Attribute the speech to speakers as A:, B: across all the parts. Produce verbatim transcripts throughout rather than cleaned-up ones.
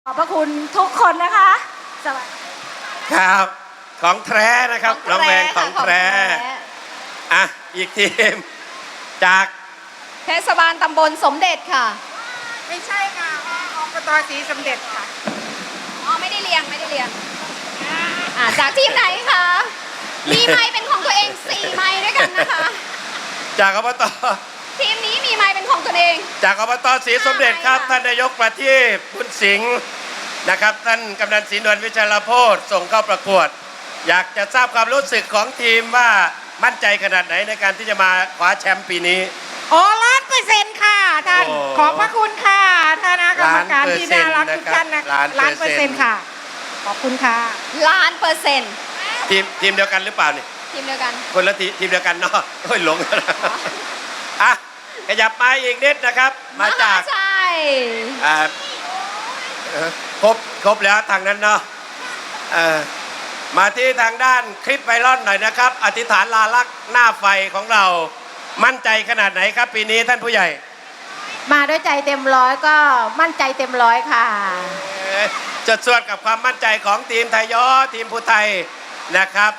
A: ขอบพระคุณทุกคนนะคะสวัสดี
B: ครับของแท้นะครับน้องแวงของแท้อ่ะอีกทีมจาก
C: เทศบาลตำบลสมเด็จค่ะ
D: ไม่ใช่ค่ะอบตศรีสมเด็จค่ะ
C: อ๋อไม่ได้เรียงไม่ได้เรียงอ่าจากทีมไหนคะมีไม้เป็นของตัวเองสี่ไม้ด้วยกันนะคะ
B: จากอบต
C: ทีมนี้มีไม้เป็นของตัวเอง
B: จากอบตศรีสมเด็จครับท่านนายกประทีปบุญสิงห์นะครับท่านกำนันศรีนวลวิชัยโพธิ์ส่งเข้าประกวดอยากจะทราบความรู้สึกของทีมว่ามั่นใจขนาดไหนในการที่จะมาคว้าแชมป์ปีนี้
D: โอ้ล้านเปอร์เซ็นต์ค่ะท่านขอบพระคุณค่ะท่านกรรมการที่น่ารักทุกท่านนะล้านเปอร์เซ็นต์ค่ะขอบคุณค่ะ
C: ล้านเปอร์เซ็นต์
B: ทีมทีมเดียวกันหรือเปล่านี่
C: ทีมเดียวกัน
B: คนละทีทีมเดียวกันเนาะโอ้ยหลงอ่ะขยับมาอีกนิดนะครับมาจาก
C: ใช่
B: อ่าครบครบแล้วทางนั้นเนาะมาที่ทางด้านคลิปไวรัลหน่อยนะครับอธิษฐานลาลักษณ์หน้าไฟของเรามั่นใจขนาดไหนครับปีนี้ท่านผู้ใหญ่
A: มาด้วยใจเต็มร้อยก็มั่นใจเต็มร้อยค่ะ
B: จดส่วนกับความมั่นใจของทีมไทยย้อทีมผู้ไทยนะครับ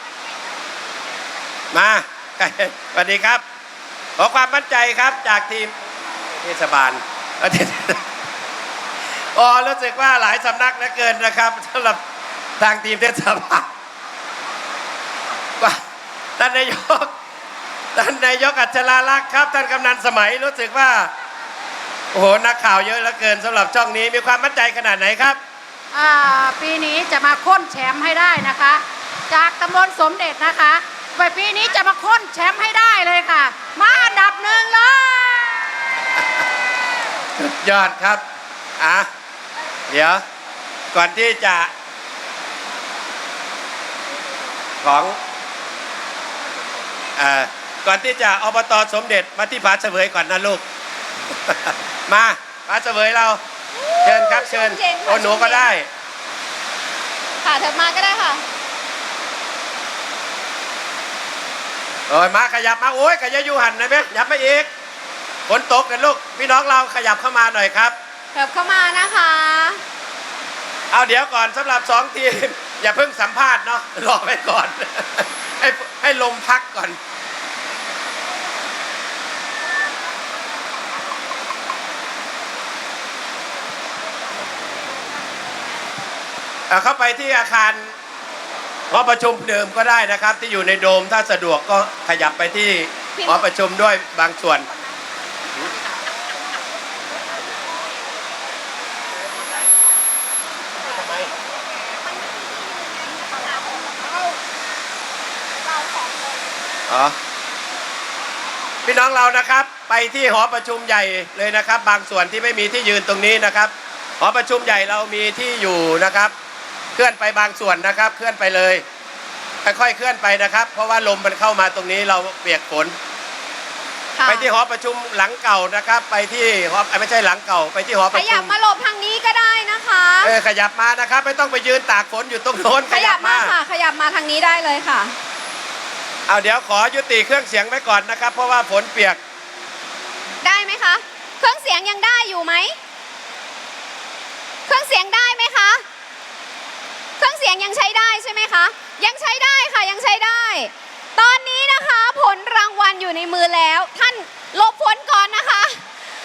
B: มาสวัสดีครับขอความมั่นใจครับจากทีมเทศบาลอ๋อรู้สึกว่าหลายสำนักเหลือเกินนะครับสำหรับทางทีมเทศบาลท่านนายกท่านนายกอัจฉราลักษณ์ครับท่านกำนันสมัยรู้สึกว่าโอ้โหนักข่าวเยอะเหลือเกินสำหรับช่องนี้มีความมั่นใจขนาดไหนครับ
A: อ่าปีนี้จะมาค้นแชมป์ให้ได้นะคะจากตำบลสมเด็จนะคะไปปีนี้จะมาค้นแชมป์ให้ได้เลยค่ะมาอันดับหนึ่งเลย
B: สุดยอดครับอ่ะเดี๋ยวก่อนที่จะของอ่าก่อนที่จะอบตสมเด็จมาที่ผาเสวยก่อนนะลูกมาผาเสวยเราเชิญครับเชิญโอหนูก็ได้
C: ค่ะเถิดมาก็ได้ค่ะ
B: โอ้ยมาขยับมาโอ้ยขยับยูหันนะเบ๊ยับมาอีกฝนตกกันลูกพี่น้องเราขยับเข้ามาหน่อยครับ
C: เถิบเข้ามานะคะ
B: เอาเดี๋ยวก่อนสำหรับสองทีมอย่าเพิ่งสัมภาษณ์เนาะรอไปก่อนให้ให้ลมพักก่อนเข้าไปที่อาคารหอประชุมเดิมก็ได้นะครับที่อยู่ในโดมถ้าสะดวกก็ขยับไปที่หอประชุมด้วยบางส่วนอ๋อพี่น้องเรานะครับไปที่หอประชุมใหญ่เลยนะครับบางส่วนที่ไม่มีที่ยืนตรงนี้นะครับหอประชุมใหญ่เรามีที่อยู่นะครับเคลื่อนไปบางส่วนนะครับเคลื่อนไปเลยค่อยๆเคลื่อนไปนะครับเพราะว่าลมมันเข้ามาตรงนี้เราเปียกฝนไปที่หอประชุมหลังเก่านะครับไปที่หอไม่ใช่หลังเก่าไปที่หอประชุม
C: ขยับมาหลบทางนี้ก็ได้นะคะ
B: เออขยับมานะครับไม่ต้องไปยืนตากฝนอยู่ตรงโน้น
C: ขยับมาค่ะขยับมาทางนี้ได้เลยค่ะ
B: เอาเดี๋ยวขอยุติเครื่องเสียงไว้ก่อนนะครับเพราะว่าฝนเปียก
C: ได้ไหมคะเครื่องเสียงยังได้อยู่ไหมเครื่องเสียงได้ไหมคะเครื่องเสียงยังใช้ได้ใช่ไหมคะยังใช้ได้ค่ะยังใช้ได้ตอนนี้นะคะผลรางวัลอยู่ในมือแล้วท่านหลบฝนก่อนนะคะ